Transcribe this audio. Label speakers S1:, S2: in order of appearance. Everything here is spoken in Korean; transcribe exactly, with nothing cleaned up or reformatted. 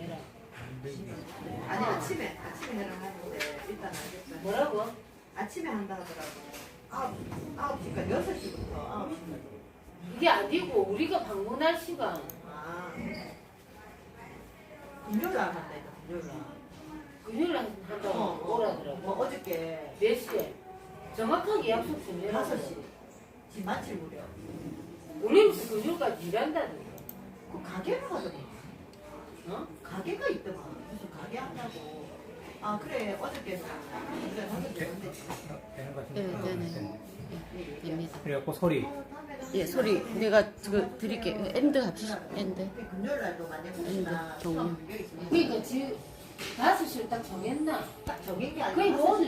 S1: 해라.
S2: 아니 아침에 아침에 해라 하는데 일단 알겠어요.
S1: 뭐라고?
S2: 아침에 한다 하더라고. 아홉 아홉 시까지 여섯 시부터 아홉 시까지.
S1: 이게 아니고 우리가 방문할 시간.
S2: 아 금요일 날 한다 이거 금요일 날.
S1: 금요일 날 한다고
S2: 어,
S1: 오라더라고.
S2: 뭐 어저께
S1: 몇 시에? 정확하게 약속 좀 해라.
S2: 다섯 시. 지금 마칠 무렵.
S1: 우리는 금요일까지 일한다는데.
S2: 그 가게를 하더만.
S1: 어?
S2: 가게가 있더만. 무슨 가게 한다고. 아 그래 어저께는 우리가 하게 되는데.
S3: 되는 것
S4: 네,
S3: 같은데.
S4: 네, 네. 네, 됩니다.
S3: 그래갖고 소리.
S4: 예, 소리 내가 그 드릴게요. 엔드 합시다. 엔드.
S2: 금요일 날도 만약 혹시나
S4: 정리.
S2: 수업 비교 있으면
S1: 그러니까 지금 다섯 시를 딱 정했나?
S2: 딱 정한 게 아니라
S1: 그러니까
S2: 다섯 시
S1: 오늘